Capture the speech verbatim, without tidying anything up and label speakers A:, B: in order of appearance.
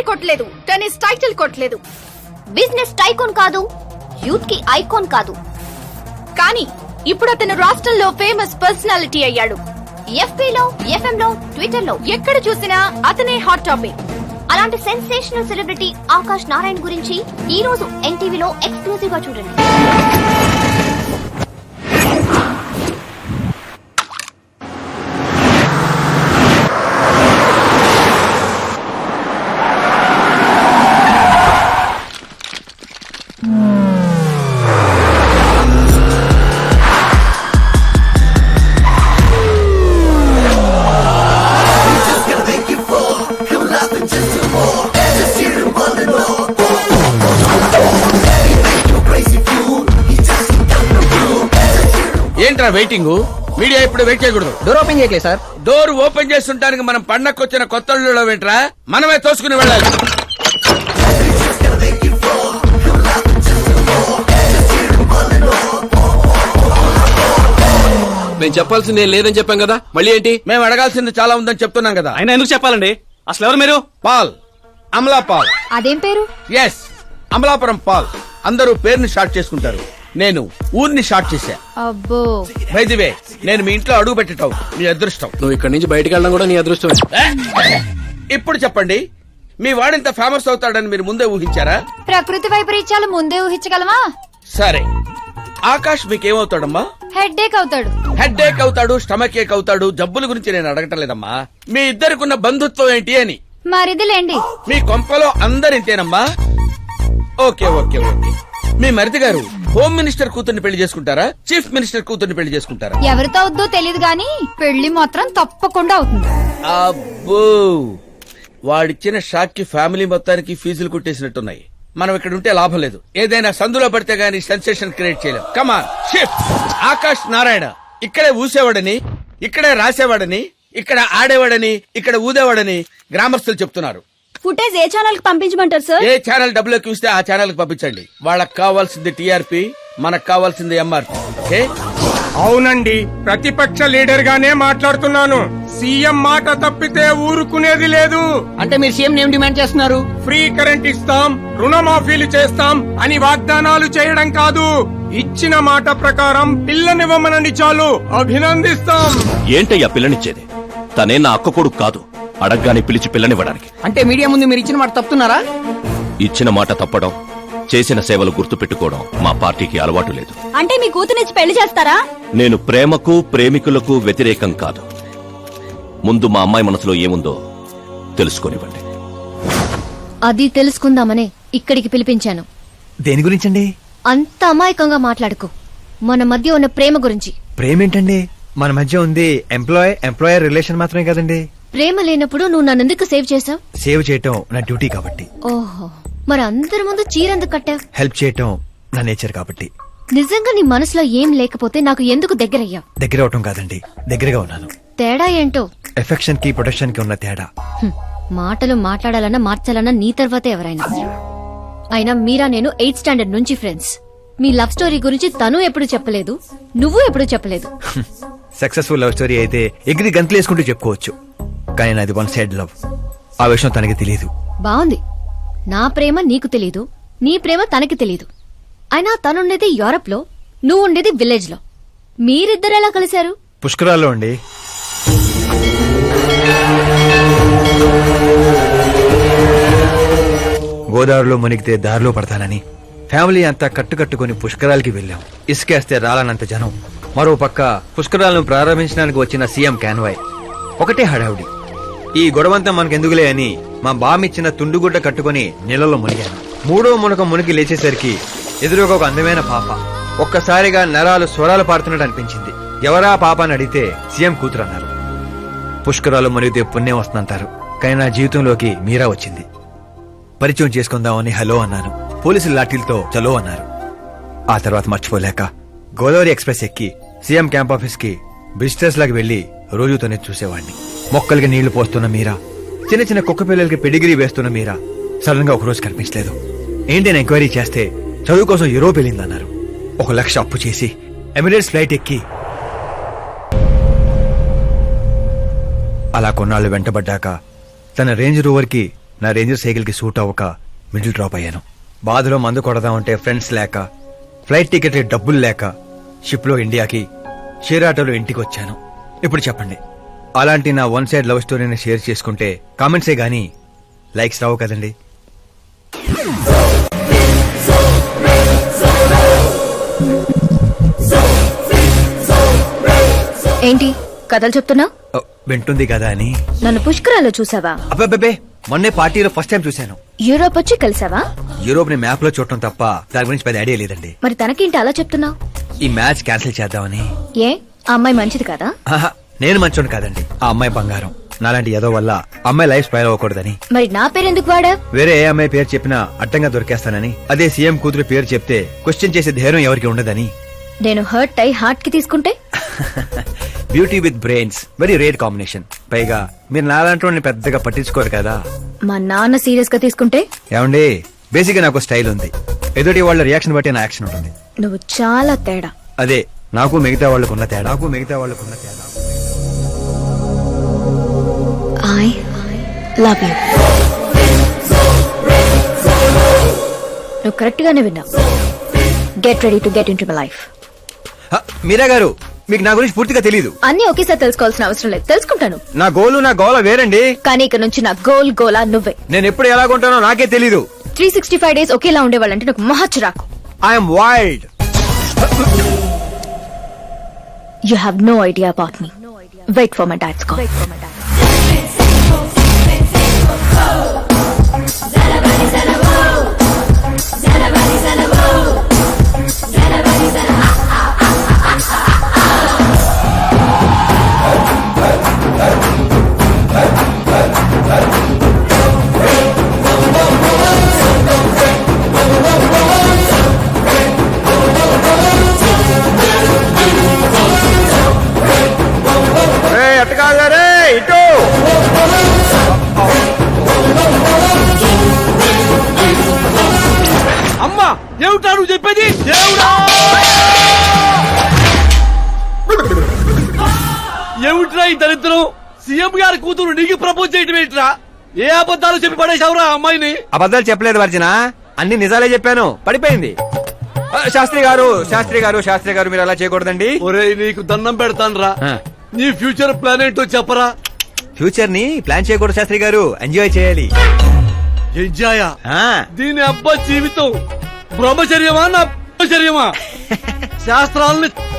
A: కొట్టలేదు, tennis title కొట్టలేదు,
B: business tycoon కాదు, యూత్ కి ఐకాన్ కాదు.
A: కానీ ఇప్పుడు అతను రాష్ట్రంలో ఫేమస్ పర్సనాలిటీ అయ్యాడు.
B: ఎఫ్బీలో, ఎఫ్ఎం లో, ట్విట్టర్ లో
A: ఎక్కడ చూసినా అతనే హాట్ టాపిక్.
B: అలాంటి సెన్సేషనల్ సెలబ్రిటీ ఆకాష్ నారాయణ్ గురించి ఈ రోజు ఎన్టీవీలో ఎక్స్క్లూజివ్ గా చూడండి.
C: ఏంట్రా వెయిటింగ్? మీడియా ఇప్పుడు వెయిట్ చేయకూడదు.
D: డోర్ ఓపెన్ చేయట్లేదు సార్.
C: డోర్ ఓపెన్ చేస్తుంటానికి మనం పండక్కొచ్చిన కొత్త వెంట్రా మనమే తోసుకుని వెళ్ళాలి.
E: మేము చెప్పాల్సింది ఏం లేదని చెప్పాం కదా, మళ్ళీ ఏంటి?
C: మేము అడగాల్సింది చాలా ఉందని చెప్తున్నాం కదా.
E: ఆయన ఎందుకు చెప్పాలండి? అసలు ఎవరు మీరు?
C: Paul, Amala Paul.
B: అదేం పేరు?
C: Yes, Amalapuram Paul. అందరూ పేరుని షార్ట్ చేసుకుంటారు, నేను ఊరిని షార్ట్ చేశా.
B: అబ్బో,
C: బై ది వే, నేను మీ ఇంట్లో అడుగు పెట్టటం మీ అదృష్టం.
E: నువ్వు ఇక్కడి నుంచి బయటకు వెళ్ళడం కూడా నీ అదృష్టం.
C: ఇప్పుడు చెప్పండి, మీ వాడింత ఫేమస్ అవుతాడని మీరు ముందే ఊహించారా?
B: ప్రకృతి వైపరీత్యాలు ముందే ఊహించగలమా?
C: సరే, ఆకాష్ మీకేమవుతాడమ్మా?
B: హెడ్ ఏక్ అవుతాడు.
C: హెడ్ ఏక్ అవుతాడు, స్టమక్ ఏక్ అవుతాడు. జబ్బుల గురించి నేను అడగటం లేదమ్మా, మీ ఇద్దరికున్న బంధుత్వం ఏంటి అని.
B: మరిదిలేండి.
C: మీ కొంపలో అందరింతేనమ్మా? Okay okay okay. మీ మరిది గారు హోమ్ మినిస్టర్ కూతుర్ని పెళ్లి చేసుకుంటారా, చీఫ్ మినిస్టర్ కూతుర్ని పెళ్లి చేసుకుంటారా?
B: ఎవరితో అవుద్దో తెలియదు గాని పెళ్లి మాత్రం తప్పకుండా అవుతుంది.
C: అబ్బో, వాడిచ్చిన షాక్ కి ఫ్యామిలీ మొత్తానికి ఫీజులు కుట్టేసినట్టున్నాయి. మనం ఇక్కడ ఉంటే లాభం లేదు. ఏదైనా సందులో పడితే గానీ సెన్సేషన్ క్రియేట్ చేయలేం. Come on shift. ఆకాష్ నారాయణ ఇక్కడే ఊసేవాడని, ఇక్కడే రాసేవాడని, ఇక్కడ ఆడేవాడని, ఇక్కడ ఊదేవాడని గ్రామస్తులు చెప్తున్నారు.
B: ఫుటేజ్ ఏ ఛానల్ కి పంపించమంటారు సార్?
C: ఏ ఛానల్ డబ్బులు ఎక్కువ ఇస్తే ఆ ఛానల్ కి పంపించండి. వాళ్ళకి కావాల్సింది టీఆర్పీ, మనకు కావాల్సింది ఎంఆర్పీ. ఓకే?
F: అవునండి, ప్రతిపక్ష లీడర్ గానే మాట్లాడుతున్నాను. సీఎం మాట తప్పితే ఊరుకునేది లేదు.
D: అంటే మీరు సీఎం ఏం డిమాండ్ చేస్తున్నారు?
F: ఫ్రీ కరెంట్ ఇస్తాం, రుణమాఫీలు చేస్తాం అని వాగ్దానాలు చేయడం కాదు, ఇచ్చిన మాట ప్రకారం పిల్లనివ్వమనండి చాలు, అభినందిస్తాం.
G: ఏంటయ్యా పిల్లనిచ్చేది? తనే నా అక్క కొడుకు కాదు, అడగ్గానే పిలిచి పిల్లనివ్వడానికి.
D: అంటే మీడియా ముందు మీరు ఇచ్చిన మాట తప్పుతున్నారా?
G: ఇచ్చిన మాట తప్పడం, చేసిన సేవలు గుర్తు పెట్టుకోవడం మా పార్టీకి అలవాటు లేదు.
B: అంటే మీ కూతురిచ్చి పెళ్లి చేస్తారా?
G: నేను ప్రేమకు ప్రేమికులకు వ్యతిరేకం కాదు. ముందు మా అమ్మాయి మనసులో ఏముందో తెలుసుకోనివ్వండి.
B: అది తెలుసుకుందామనే ఇక్కడికి పిలిపించాను.
H: దేని గురించండి?
B: అంత అమాయకంగా మాట్లాడుకో. మన మధ్య ఉన్న ప్రేమ గురించి.
H: ప్రేమ ఏంటండి? మన మధ్య ఉంది ఎంప్లాయ్ ఎంప్లాయర్ రిలేషన్ మాత్రమే కదండి.
B: ప్రేమ లేనప్పుడు నువ్వు నన్నెందుకు సేవ్ చేసావు?
H: సేవ్ చేయటం నా డ్యూటీ కాబట్టి.
B: ఓహో, మరి అందరి ముందు చీరెందుకు కట్టావు?
H: హెల్ప్ చేయటం నా నేచర్ కాబట్టి.
B: నిజంగా నీ మనసులో ఏం లేకపోతే నాకు ఎందుకు దగ్గరయ్యావు?
H: దగ్గర అవటం కాదండి, దగ్గరగా ఉన్నాను.
B: తేడా ఏంటో?
H: ఎఫెక్షన్ కి ప్రొటెక్షన్ కి ఉన్న తేడా.
B: హ్మ్, మాటలు మాట్లాడాలన్నా మార్చాలన్నా నీ తర్వాతే ఎవరైనా. అయినా మీరా నేను ఎయిత్ స్టాండర్డ్ నుంచి ఫ్రెండ్స్. మీ లవ్ స్టోరీ గురించి తను ఎప్పుడు చెప్పలేదు, నువ్వు ఎప్పుడు చెప్పలేదు.
H: సక్సెస్ఫుల్ లవ్ స్టోరీ అయితే ఎగిరి గంతులు వేసుకుంటూ చెప్పుకోవచ్చు, కానీ నాది వన్ సైడ్ లవ్. ఆ విషయం తనకి తెలియదు.
B: బాగుంది, నా ప్రేమ నీకు తెలీదు, నీ ప్రేమ తనకి తెలీదు. అయినా తనుండేది యూరప్ లో, నువ్వు ఉండేది విలేజ్ లో. మీరిద్దరు ఎలా కలిశారు?
H: పుష్కరాల్లో అండి. గోదావరిలో మునిగితే దారిలో పడతానని ఫ్యామిలీ అంతా కట్టుకట్టుకుని పుష్కరాలకి వెళ్ళాం. ఇసుకేస్తే రాలనంత జనం. మరో పక్క పుష్కరాలను ప్రారంభించడానికి వచ్చిన సీఎం కాన్వాయ్. ఒకటే హడావుడి. ఈ గొడవంతా మనకెందుకులే అని మా బామిచ్చిన తుండుగుడ్డ కట్టుకుని నీళ్ళలో మునిగాను. మూడో మునక మునిగి లేచేసరికి ఎదురుగా ఒక అందమైన పాప. ఒక్కసారిగా నరాలు స్వరాలు పాడుతున్నట్టు అనిపించింది. ఎవరా పాప అని అడిగితే సీఎం కూతురు అన్నారు. పుష్కరాలు మునిగితే పుణ్యం వస్తుందంటారు, కానీ నా జీవితంలోకి మీరా వచ్చింది. పరిచయం చేసుకుందామని హలో అన్నాను. పోలీసులు లాఠీలతో చలో అన్నారు. ఆ తర్వాత మర్చిపోలేక గోదావరి ఎక్స్ప్రెస్ ఎక్కి సీఎం క్యాంప్ ఆఫీస్ కి విజిటర్స్ లాగా వెళ్లి రోజుతోనే చూసేవాడిని. మొక్కలకి నీళ్లు పోస్తున్న మీరా, చిన్న చిన్న కుక్క పిల్లలకి పెడిగిరీ వేస్తున్న మీరా సడన్ గా ఒకరోజు కనిపించలేదు. ఏంటి ఎంక్వైరీ చేస్తే చదువు కోసం యూరోప్ వెళ్ళిందన్నారు. ఒక లక్ష అప్పు చేసి ఎమిరేట్స్ ఫ్లైట్ ఎక్కి అలా కొన్నాళ్లు వెంటబడ్డాక తన రేంజ్ రోవర్ కి నా రేంజర్ సైకిల్ కి సూట్ అవ్వక మిడిల్ డ్రాప్ అయ్యాను. బాధలో మందు కొడదామంటే ఫ్రెండ్స్ లేక, ఫ్లైట్ టికెట్ డబ్బులు లేక షిప్ లో ఇండియాకి, షేర్ ఆటోలో ఇంటికి వచ్చాను. ఇప్పుడు చెప్పండి, అలాంటి నా వన్ సైడ్ లవ్ స్టోరీని షేర్ చేసుకుంటే కామెంట్సే గానీ లైక్స్ రావు కదండి.
B: ఏంటి కథలు చెప్తున్నా?
H: ఓ, వింటుంది కదా అని.
B: నన్ను పుష్కరాల్లో చూసావా?
H: అబ్బే, మొన్నే పార్టీలో ఫస్ట్ టైం చూశాను.
B: యూరోప్ వచ్చి కలిసావా?
H: యూరోప్ ని మ్యాప్ లో చూడటం తప్ప దాని గురించి పెద్ద ఐడియా లేదండి.
B: మరి తనకేంటి అలా చెప్తున్నావు?
H: ఈ మ్యాచ్ క్యాన్సిల్ చేద్దామని.
B: ఏ ఆ అమ్మాయి మంచిది కదా?
H: ఆహా, నేను మంచోడు కాదండి. ఆ అమ్మాయి బంగారం. నాలాంటి ఏదో వల్ల అమ్మాయి లైఫ్ స్పైల్ అవ్వకూడదని.
B: మరి నా పేరెందుకు వాడా?
H: వేరే ఏ అమ్మాయి పేరు చెప్పినా అడ్డంగా దొరికేస్తానని. అదే సీఎం కూతురు పేరు చెప్తే క్వశ్చన్ చేసే ధైర్యం ఎవరికి ఉండదని.
B: నేను హర్ట్ అయి హార్ట్ కి తీసుకుంటే?
H: Beauty with brains very rare combination. పైగా మీరు నాలాంటి పెద్దగా పట్టించుకోరు కదా.
B: మా నాన్న సీరియస్ గా తీసుకుంటే?
H: ఏమండి, బేసిక్ గా నాకు స్టైల్ ఉంది. ఎదుటి వాళ్ళ రియాక్షన్ బట్టి నా యాక్షన్ ఉంటుంది.
B: నువ్వు చాలా తేడా.
H: అదే నాకు మిగతా వాళ్ళకున్న తేడా. నాకు మిగతా వాళ్ళకున్న తేడా.
B: I love you. నువ్వు కరెక్ట్ గానే విన్నావు. Get ready to get into my life.
H: హ, మీరా గారు, మీకు నా గురించి పూర్తిగా తెలీదు.
B: అన్ని ఒకేసారి తెలుసుకోవాల్సిన అవసరం లేదు, తెలుసుకుంటాను.
H: నా గోలు నా గోల వేరండి.
B: కానీ ఇక నుంచి నా గోల్ గోలా నువ్వే.
H: నేను ఎప్పుడు ఎలాగుంటానో నాకే తెలీదు.
B: త్రీ సిక్స్టీ ఫైవ్ డేస్ ఒకేలా ఉండేవాళ్ళంటే నాకు మహా చిరాకు.
H: I'm wild.
B: You have no idea about me. Wait for my dad's call.
C: అమ్మా ఏమిటా నువ్వు చెప్పేది? దేవుడా, ఏమిట్రా ఈ దరిద్రం? సీఎం గారి కూతురు నీకు ప్రపోజ్ చేయటం ఏంట్రా? ఏ అబద్ధాలు చెప్పి పడేశావురా అమ్మాయిని?
H: అబద్ధాలు చెప్పలేదు వర్జన, అన్ని నిజాలే చెప్పాను. పడిపోయింది. ఆ, శాస్త్రి గారు శాస్త్రి గారు శాస్త్రి గారు మీరు అలా చేయకూడదండి.
C: ఒరేయ్, నీకు దండం పెడతానురా.
H: ఆ.
C: నీ ఫ్యూచర్ ప్లాన్ ఏంటో చెప్పరా.
H: ఫ్యూచర్ ని ప్లాన్ చేయకూడదు శాస్త్రి గారు, ఎంజాయ్ చేయాలి.
C: ఎంజాయా?
H: ఆ,
C: దీని అబ్బా జీవితం బ్రహ్మచర్యమా నా బ్రహ్మచర్యమా? శాస్త్రాలని